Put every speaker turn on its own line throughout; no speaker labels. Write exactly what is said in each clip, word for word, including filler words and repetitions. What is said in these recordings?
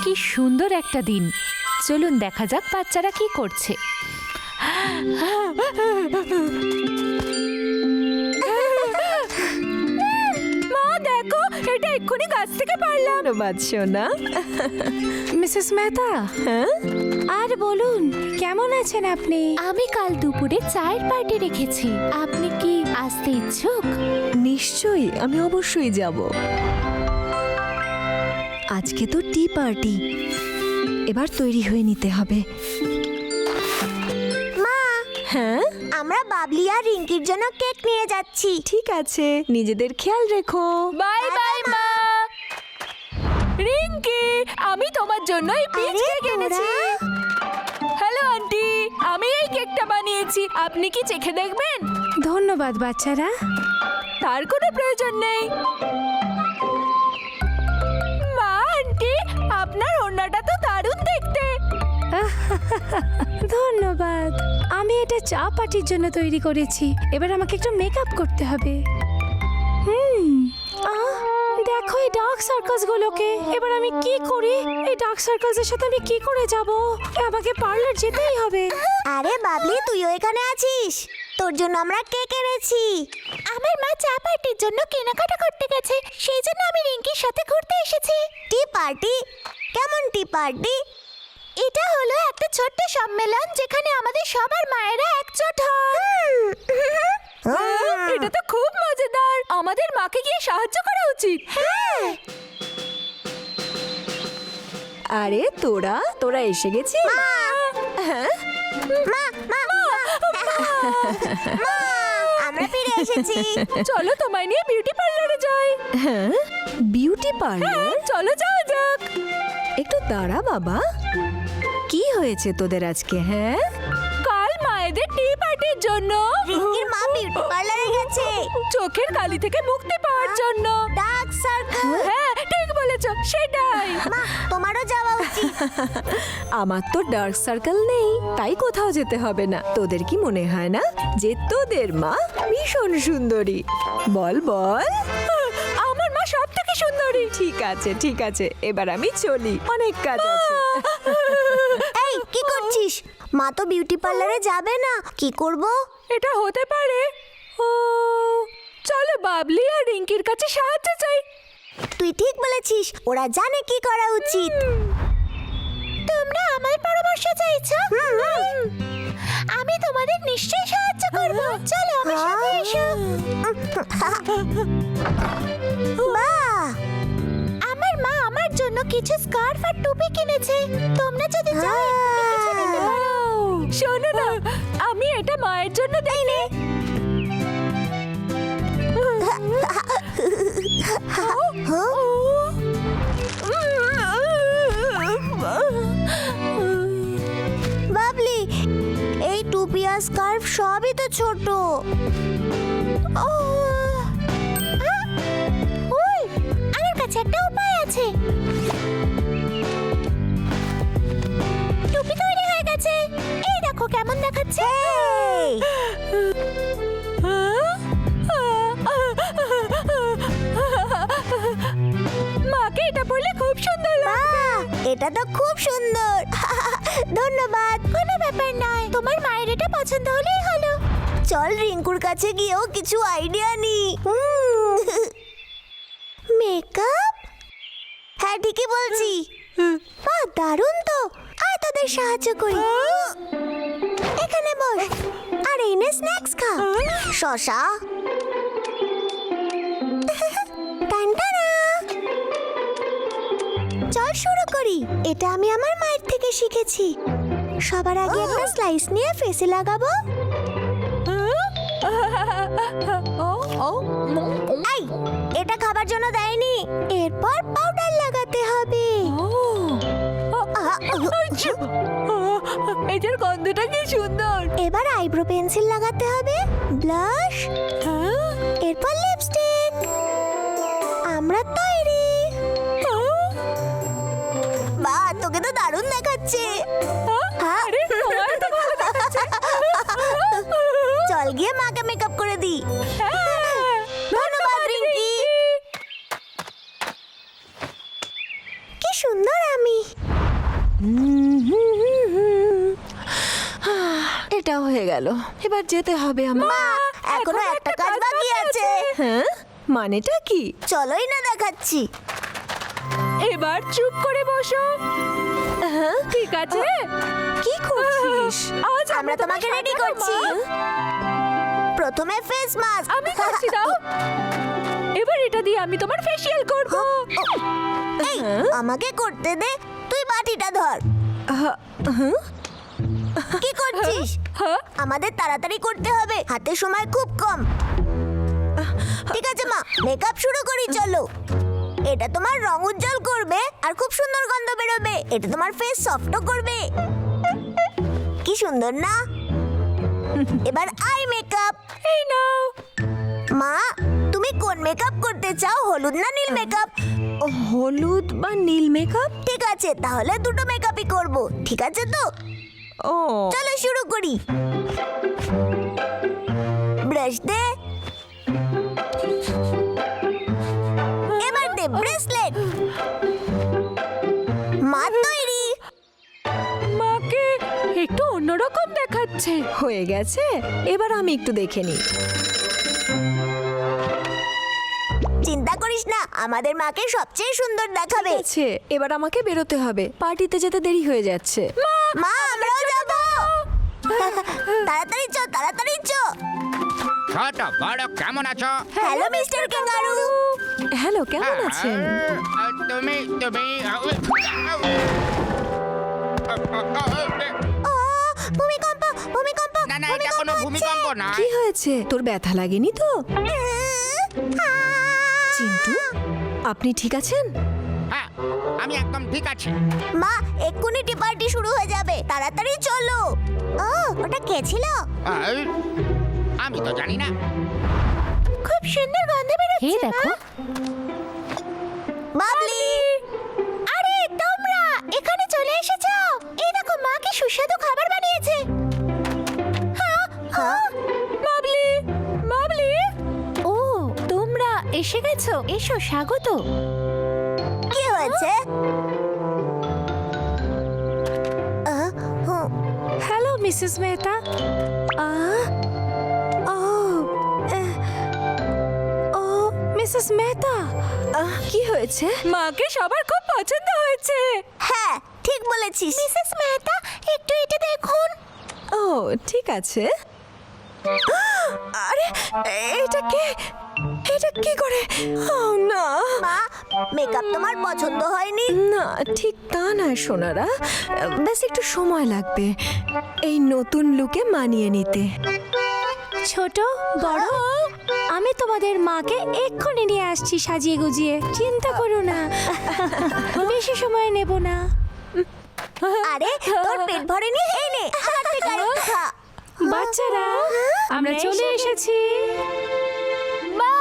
কি সুন্দর একটা দিন। চলুন দেখা যাক বাচ্চারা কি করছে। মা দেখো, এটা এক্ষুনি গাছ থেকে পারলাম।
ধন্যবাদ সোনা।
মিসেস মেহতা,
হ্যাঁ
আর বলুন কেমন আছেন আপনি?
আমি কাল দুপুরে চায়ের পার্টি রেখেছি, আপনি কি আসতে ইচ্ছুক?
নিশ্চয়ই, আমি অবশ্যই যাব। আজকে তো টি পার্টি, এবার তৈরি হয়ে নিতে হবে।
মা,
হ্যাঁ
আমরা বাবলি আর রিঙ্কির জন্য কেক নিয়ে যাচ্ছি।
ঠিক আছে, নিজেদের খেয়াল রেখো।
বাই বাই মা। রিঙ্কি, আমি তোমার জন্য এই পিচ
আরে,
কেক এনেছি। হ্যালো আন্টি, আমি এই কেকটা বানিয়েছি, আপনি কি চেখে দেখবেন?
ধন্যবাদ বাচ্চারা।
তার কোনো প্রয়োজন নেই। মা, আন্টি, আপনার ওড়নাটা তো দারুণ দেখতে।
ধন্যবাদ। আমি এটা চা পার্টির জন্য তৈরি করেছি। এবার আমাকে একটু মেকআপ করতে হবে। হুম আহ, দেখো এই ডার্ক সার্কাস গুলোকে। এবার আমি কি করি? এই ডার্ক সার্কাসের সাথে আমি কি করে যাব? আমাকে পার্লার যেতেই হবে।
আরে বাবলি, তুইও এখানে আছিস? তোর জন্য আমরা কেক এনেছি। আমার মা চা পার্টির জন্য কেনাকাটা করতে গেছে, সেই জন্য আমি রিঙ্কির সাথে ঘুরতে এসেছি। Tea party? কেমন টি পার্টি? এটা হলো একটা ছোট্ট সম্মেলন যেখানে আমাদের সবার মায়েরা একজোট হন।
এটা তো খুব মজাদার। আমাদের মাকে গিয়ে সাহায্য করা উচিত।
আরে তোরা তোরা এসে গেছিস? হ্যাঁ
মা, মা, মা, আমরা ফিরে এসেছি।
চলো তোমায় নিয়ে বিউটি পার্লারে যাই।
হ্যাঁ বিউটি পার্লার?
চলো যাওয়া যাক।
একটু দাঁড়া বাবা, কি হয়েছে তোদের আজকে? হ্যাঁ
কাল মায়েদের টি পার্টির জন্য
রিঙ্কির মা বিউটি পার্লারে গেছে
চোখের কালি থেকে মুক্তি পাওয়ার জন্য।
Dark circle.
হ্যাঁ ঠিক বলেছো, সেটাই।
মা, তোমারও যাওয়া উচিত।
আমার তো ডার্ক সার্কেল নেই, তাই কোথাও যেতে হবে না। তোদের কি মনে হয় না যে তোদের মা ভীষণ সুন্দরী? বল বল।
আমার মা সব থেকে সুন্দরী।
ঠিক আছে ঠিক আছে, এবার আমি চলি, অনেক কাজ আছে।
এই কি করছিস? মা তো বিউটি পার্লারে যাবে না, কি করব?
এটা হতে পারে। ও, চলো বাবলি আর রিঙ্কির কাছে সাহায্য চাই।
তুই ঠিক বলেছিস, ওরা জানে কি করা উচিত। তোমরা আমার পরামর্শ চাইছো? আমি তোমাদের নিশ্চয়ই সাহায্য করব। চলো আমার সাথে এসো। বাহ! আমার মা আমার জন্য কিছু স্কার্ফ আর টুপি কিনেছে। তোমরা যদি চাও এক্ষুনি কিছু নিতে পারো।
শোনো না, আমি এটা মায়ের জন্য দেইনি।
বাবলি, এই টুপি আর স্কার্ফ সবই তো ছোট। ও, আহ! ওই, আমার কাছে একটা উপায় আছে। টুপি তৈরি হয়ে গেছে। এই দেখো কেমন দেখাচ্ছে।
মাকে এটা পরলে খুব সুন্দর লাগবে।
বাহ, এটা তো খুব সুন্দর। ধন্যবাদ। কোনো ব্যাপার নয়, তোমার মায়ের এটা পছন্দ হলেই হলো। চল রিঙ্কুর কাছে গিয়েও কিছু আইডিয়া নি। মেকআপ? হ্যাঁ ঠিকই বলছি। বাহ, দারুণ তো। আয় তোদের সাহায্য করি। এখানে বস আর এই নে স্ন্যাক্স খা। শশা। টানটানা। চল শুরু করি। এটা আমি আমার মায়ের থেকে শিখেছি। সবার আগে একটা স্লাইস নিয়ে ফেসে লাগাবো। এই, এটা খাবার জন্য দেয়নি। এরপর পাউডার লাগাতে হবে।
এটার গন্ধটা কি সুন্দর।
এবার আইব্রো পেন্সিল লাগাতে হবে, ব্লাশ, এরপর লিপস্টিক। আমরা তৈরি। বাহ, তোকে তো দারুণ দেখাচ্ছে।
আরে তোমার তো ভালো দেখাচ্ছে।
চল গিয়ে মাকে মেকআপ করে দিই।
হ্যাঁ,
ধন্যবাদ রিঙ্কি। কি সুন্দর আমি।
এটা হয়ে গেল, এবার যেতে হবে আমার।
মা, এখনো একটা কাজ বাকি আছে।
হ্যাঁ, মানেটা কি?
চলোই না দেখাচ্ছি।
এবার চুপ করে বসো।
হ্যাঁ,
ঠিক আছে?
কি করছিস?
আজ
আমরা তোমাকে রেডি করছি। প্রথমে ফেস মাস্ক।
আমি করছি, দাও। এবার এটা দিয়ে আমি তোমার ফেসিয়াল করব।
এই, আমাকে করতে দে, তুই বাটিটা ধর।
আহ, হুম?
কি করছিস?
হ্যাঁ?
আমাদের তাড়াতাড়ি করতে হবে, হাতে সময় খুব কম। ঠিক আছে মা, মেকআপ শুরু করি, চলো। এটা তোমার রং উজ্জ্বল করবে আর খুব সুন্দর গন্ধ বেরোবে। এটা তোমার ফেস সফটও করবে। কি সুন্দর না? এবার আই মেকআপ।
এই নাও।
মা, তুমি কোন মেকআপ করতে চাও, হলুদ না নীল মেকআপ?
হলুদ বা নীল মেকআপ?
ঠিক আছে, তাহলে দুটো মেকআপই করব। ঠিক আছে তো?
ও,
চলো শুরু করি। ব্রাশ দে। এবার দে ব্রেসলেট। মা তৈরি।
মাকে একটু অন্যরকম দেখাচ্ছে।
হয়ে গেছে, এবার আমি একটু দেখে নিই।
চিন্তা করিস না, আমাদের মাকে সবচেয়ে সুন্দর দেখাবে।
আছে, এবার আমাকে বেরোতে হবে, পার্টিতে যেতে দেরি হয়ে যাচ্ছে।
মা, আমরাও যাব। তাড়াতাড়ি চ, তাড়াতাড়ি চ।
ছোট বড় কেমন আছো?
Hello mister kangaroo.
হ্যালো, কেমন আছেন?
আহ, তুমি তুমি
ও, ভূমিকম্প, ভূমিকম্প।
না না, এটা কোনো ভূমিকম্প না।
কি হয়েছে? তোর ব্যথা লাগেনি তো? চিন্টু, আপনি ঠিক আছেন?
হ্যাঁ, আমি একদম ঠিক আছি।
মা, এক্ষুনি টি পার্টি শুরু হয়ে যাবে, তাড়াতাড়ি চলো। ও, ওটা কে ছিল?
আহ, আমি তো জানি না।
খুব সুন্দর গন্ধ বেরোচ্ছে।
এই দেখো।
বাবলি, আরে তোমরা এখানে চলে এসেছো। এই দেখো, মা কি সুস্বাদু খাবার বানিয়েছে। হ্যাঁ, হ্যাঁ।
বাবলি, বাবলি। ও, তোমরা এসে গেছো। এসো, স্বাগত।
কি হয়েছে? আহ, হুম।
Hello Mrs Mehta.
আহ, ও, এহ, ও,
মিসেস মেহতা,
আহ, কি হয়েছে?
মাকে সবার খুব পছন্দ হয়েছে।
হ্যাঁ, ঠিক বলেছিস। মিসেস মেহতা, একটু এটা দেখুন।
ও, ঠিক আছে। আরে, এটা কে? এটা কি করে? ও না,
মা, মেকআপ তোমার পছন্দ হয়নি?
না, ঠিক তা নয় সোনারা, ব্যাস একটু সময় লাগবে এই নতুন লুকে মানিয়ে নিতে।
ছোট বড়, আমি তোমাদের মাকে এক্ষুনি নিয়ে আসছি সাজিয়ে গুজিয়ে। চিন্তা করো না, বেশি সময় নেব না।
আরে, তোর পেট ভরেনি? এই নে, আমার থেকে আরেকটু খা।
বাচ্চারা, আমরা চলে এসেছি।
মা!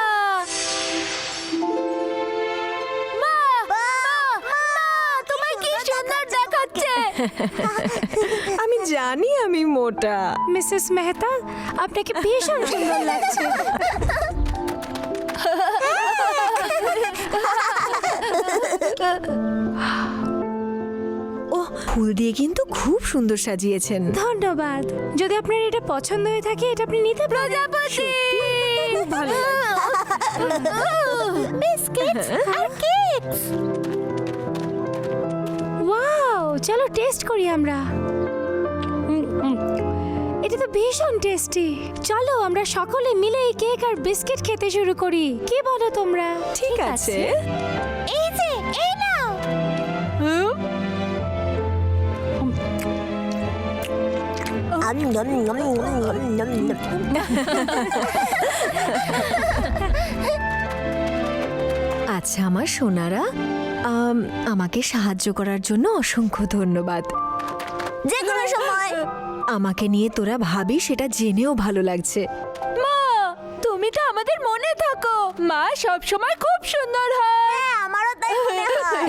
মা!
মা, মা, তোমায় কি সুন্দর দেখাচ্ছে।
আমি জানি আমি মোটা।
মিসেস মেহতা, আপনাকে ভীষণ সুন্দর লাগছে।
ও, ফুল দিয়ে কিন্তু খুব সুন্দর সাজিয়েছেন।
ধন্যবাদ। যদি আপনার এটা পছন্দ হয়ে থাকে, এটা আপনি নিতে পারেন।
খুব ভালো।
বিস্কিট আর কেকস।
ওয়াও, চলো টেস্ট করি আমরা। উম, উম, এটা তো ভীষণ টেস্টি। চলো আমরা সকলে মিলে এই কেক আর বিস্কিট খেতে শুরু করি। কি বলো তোমরা?
ঠিক আছে।
এই যে, এই নাও। আম, নম, নম, নম, নম, নম।
আচ্ছা আমার সোনারা, আম, আমাকে সাহায্য করার জন্য অসংখ্য ধন্যবাদ।
যে কোনো সময়।
আমাকে নিয়ে তোরা ভাবি সেটা জেনেও ভালো লাগছে।
মা, তুমি তো আমাদের মনে থাকো। মা সব সময় খুব সুন্দর হয়।
হ্যাঁ, আমারও তাই মনে হয়।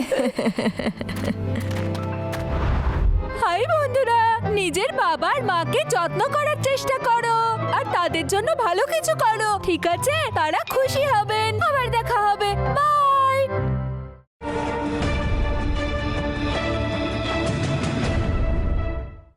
হাই বন্ধুরা, নিজের বাবার মাকে যত্ন করার চেষ্টা করো আর তাদের জন্য ভালো কিছু করো, ঠিক আছে? তারা খুশি হবেন। আবার দেখা হবে। বাই।